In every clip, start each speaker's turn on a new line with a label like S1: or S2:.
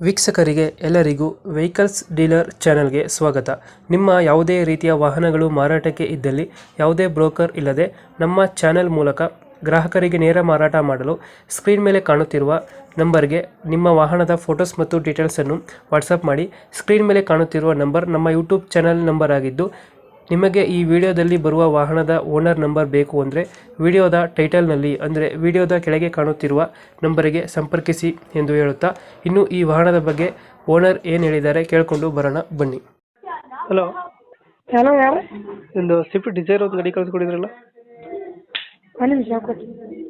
S1: ವೀಕ್ಷಕರಿಗೆ ಎಲ್ಲರಿಗೂ vehicles dealer ಚಾನೆಲ್ಗೆ ಸ್ವಾಗತ. ನಿಮ್ಮ ಯಾವುದೇ ರೀತಿಯ ವಾಹನಗಳು ಮಾರಾಟಕ್ಕೆ ಇದ್ದಲ್ಲಿ ಯಾವುದೇ ಬ್ರೋಕರ್ ಇಲ್ಲದೆ ನಮ್ಮ ಚಾನೆಲ್ ಮೂಲಕ ಗ್ರಾಹಕರಿಗೆ ನೇರ ಮಾರಾಟ ಮಾಡಲು ಸ್ಕ್ರೀನ್ ಮೇಲೆ ಕಾಣುತ್ತಿರುವ ನಂಬರ್ಗೆ ನಿಮ್ಮ ವಾಹನದ ಫೋಟೋಸ್ ಮತ್ತು ಡೀಟೇಲ್ಸನ್ನು ವಾಟ್ಸಪ್ ಮಾಡಿ. ಸ್ಕ್ರೀನ್ ಮೇಲೆ ಕಾಣುತ್ತಿರುವ ನಂಬರ್ ನಮ್ಮ ಯೂಟ್ಯೂಬ್ ಚಾನೆಲ್ ನಂಬರ್ ಆಗಿದ್ದು, ನಿಮಗೆ ಈ ವಿಡಿಯೋದಲ್ಲಿ ಬರುವ ವಾಹನದ ಓನರ್ ನಂಬರ್ ಬೇಕು ಅಂದರೆ ವಿಡಿಯೋದ ಟೈಟಲ್ನಲ್ಲಿ ಅಂದರೆ ವಿಡಿಯೋದ ಕೆಳಗೆ ಕಾಣುತ್ತಿರುವ ನಂಬರಿಗೆ ಸಂಪರ್ಕಿಸಿ ಎಂದು ಹೇಳುತ್ತಾ, ಇನ್ನು ಈ ವಾಹನದ ಬಗ್ಗೆ ಓನರ್ ಏನು ಹೇಳಿದ್ದಾರೆ ಕೇಳಿಕೊಂಡು ಬರೋಣ ಬನ್ನಿ. ಹಲೋ,
S2: ಹಲೋ ಯಾರು?
S1: ಒಂದು ಸ್ವಿಫ್ಟ್ ಡಿಸೈರ್ ಒಂದು ಗಾಡಿ ಕಳಿಸ್ಕೊಡಿದ್ರಲ್ಲ,
S2: ಒಂದು ನಿಮಿಷ ಕೊಡಿ.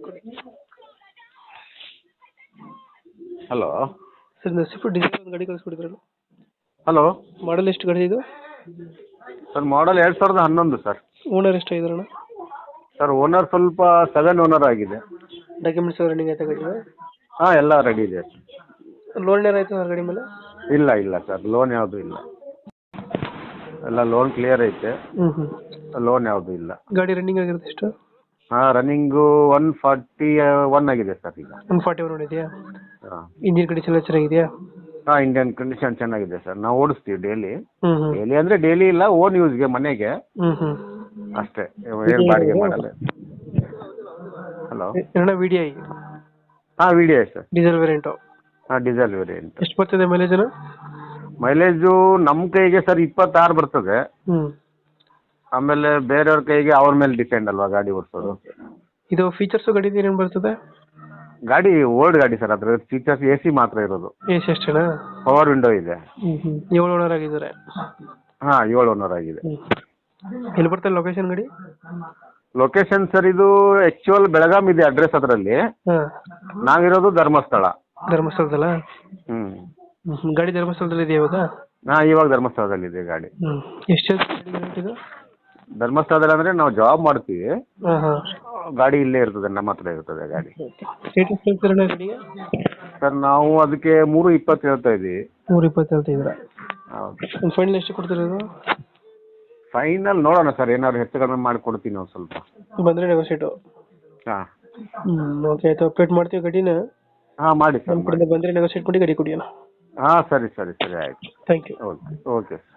S3: ಹಲೋ
S1: ಸರ್ ಒಂದು ಸ್ವಿಫ್ಟ್ ಡಿಸೈರ್ ಒಂದು ಗಾಡಿ ಕಳಿಸ್ಕೊಡಿದ್ರಲ್ಲ,
S3: ಹಲೋ
S1: ಮಾಡಲ್ ಎಷ್ಟು ಗಾಡಿ ಇದು?
S3: Sir model 2011 sir.
S1: ಓನರ್ ಎಷ್ಟಾಗಿದಾರಣ?
S3: ಸರ್ ಓನರ್ ಸ್ವಲ್ಪ 7 ಓನರ್ ಆಗಿದೆ.
S1: ಡಾಕ್ಯುಮೆಂಟ್ಸ್ ರನ್ನಿಂಗ್ ಆಯ್ತಾ ಗಾಡಿ?
S3: ಹಾಂ ಎಲ್ಲ ರೆಡಿ ಇದೆ.
S1: ಲೋನ್ ಏನಾಯ್ತು ಸರ್ ಗಾಡಿ ಮೇಲೆ?
S3: ಇಲ್ಲ ಇಲ್ಲ ಸರ್, ಲೋನ್ ಯಾವುದೂ ಇಲ್ಲ, ಎಲ್ಲ ಲೋನ್ ಕ್ಲಿಯರ್ ಐತೆ, ಲೋನ್ ಯಾವುದೂ ಇಲ್ಲ.
S1: ಗಾಡಿ ರನ್ನಿಂಗ್ ಆಗಿರುತ್ತೆ ಎಷ್ಟು?
S3: ಹಾಂ ರನ್ನಿಂಗು 141 ಆಗಿದೆ ಸರ್ ಈಗ.
S1: 141 ಇದೆಯಾ?
S3: ಹಾಂ
S1: ಇಂಜಿನ್ ಕಂಡೀಷನ್ ಎಲ್ಲ ಚೆನ್ನಾಗಿದೆಯಾ?
S3: ಹಾಂ ಇಂಡಿಯನ್ ಕಂಡೀಷನ್ ಚೆನ್ನಾಗಿದೆ ಸರ್. ನಾವು ಓಡಿಸ್ತೀವಿ ಡೈಲಿ.
S1: ಹ್ಮ್ ಹ್ಮ್
S3: ಡೈಲಿ ಅಂದರೆ ಡೈಲಿ ಇಲ್ಲ, ಓನ್ ಯೂಸ್ಗೆ ಮನೆಗೆ
S1: ಹ್ಮ್
S3: ಅಷ್ಟೇ, ಏನು ಬಾಡಿಗೆ ಮಾಡಲ್ಲ. ಹಲೋ
S1: ಎರಡ ವಿ ಡಿ ಐ
S3: ಹಾಂ V D I sir,
S1: diesel variant.
S3: ಹಾಂ ಡೀಸೆಲ್ ವೇರಿಯಂಟ್.
S1: ಎಷ್ಟು ಬರ್ತದೆ ಮೈಲೇಜ್?
S3: ಮೈಲೇಜು ನಮ್ಮ ಕೈಗೆ ಸರ್ 26 ಬರ್ತದೆ.
S1: ಹ್ಮ್
S3: ಆಮೇಲೆ ಬೇರೆಯವ್ರ ಕೈಗೆ ಅವ್ರ ಮೇಲೆ ಡಿಪೆಂಡ್ ಅಲ್ವಾ ಗಾಡಿ ಓಡಿಸೋದು.
S1: ಇದು ಫೀಚರ್ಸ್ ಗಾಡಿ ಏನೇನು ಬರ್ತದೆ?
S3: ಗಾಡಿ ಓಲ್ಡ್ ಗಾಡಿ ಸರ್, ಅದ್ರ ಫೀಚರ್ಸ್ AC ಮಾತ್ರ ಇರೋದು.
S1: ಎಸ್ ಎಷ್ಟೇನಾ?
S3: ಪವರ್ ವಿಂಡೋ ಇದೆ.
S1: 7 ಓನರ್ ಆಗಿದ್ದಾರೆ.
S3: ಹಾಂ 7 ಓನರ್ ಆಗಿದೆ.
S1: ಎಲ್ಲಿ ಬರ್ತದೆ ಲೊಕೇಶನ್ ಗಾಡಿ?
S3: ಲೊಕೇಶನ್ ಸರ್ ಇದು ಆಕ್ಚುಯಲ್ ಬೆಳಗಾಂ ಇದೆ ಅಡ್ರೆಸ್, ಅದರಲ್ಲಿ
S1: ಹಾಂ
S3: ನಾವಿರೋದು ಧರ್ಮಸ್ಥಳ.
S1: ಧರ್ಮಸ್ಥಳದಲ್ಲ? ಗಾಡಿ ಧರ್ಮಸ್ಥಳದಲ್ಲಿ ಇದೆಯಾ ಇವಾಗ?
S3: ಹಾಂ ಇವಾಗ ಧರ್ಮಸ್ಥಳದಲ್ಲಿ ಇದೆ ಗಾಡಿ.
S1: ಎಷ್ಟು ಇದು?
S3: ಧರ್ಮಸ್ಥಳದಲ್ಲಿ ಅಂದರೆ ನಾವು ಜಾಬ್ ಮಾಡ್ತೀವಿ,
S1: ಹಾಂ ಹಾಂ.
S3: ಗಾಡಿ ಇಲ್ಲೇ ಇರ್ತದೆ, ನಮ್ಮ ಹತ್ರ ಇರ್ತದೆ ಗಾಡಿ.
S1: ಸ್ಟೇಟಸ್ ಹೇಳ್ತೀರಣ್ಣ ಗಾಡಿಗೆ?
S3: ಸರ್ ನಾವು ಅದಕ್ಕೆ 320 ಹೇಳ್ತಾ ಇದ್ದೀವಿ.
S1: 320 ಹೇಳ್ತಿದ್ದೀರಾ?
S3: ಹೌದು.
S1: ಒಂದು ಫೈನಲ್ ಎಷ್ಟು ಕೊಡ್ತಿರೋದು?
S3: ಫೈನಲ್ ನೋಡೋಣ ಸರ್, ಏನಾದ್ರು ಹೆಚ್ಚು ಕಡಿಮೆ ಮಾಡಿ ಕೊಡ್ತೀನಿ ಒಂದು ಸ್ವಲ್ಪ.
S1: ಬಂದರೆ ನೆಗೋಷಿಯೇಟು.
S3: ಹಾಂ
S1: ಓಕೆ ಆಯಿತು, ಅಪ್ಡೇಟ್ ಮಾಡ್ತೀವಿ ಗಾಡಿನ.
S3: ಹಾಂ ಮಾಡಿ ಸರ್,
S1: ನಮ್ಮ ಕಡೆಯಿಂದ ಬಂದರೆ ನೆಗೋಷಿಯೇಟ್ ಮಾಡಿ ಗಾಡಿ ಕೊಡಿ ಅಣ್ಣ.
S3: ಹಾಂ ಸರಿ ಸರಿ ಸರಿ ಆಯಿತು.
S1: Thank you.
S3: Okay okay.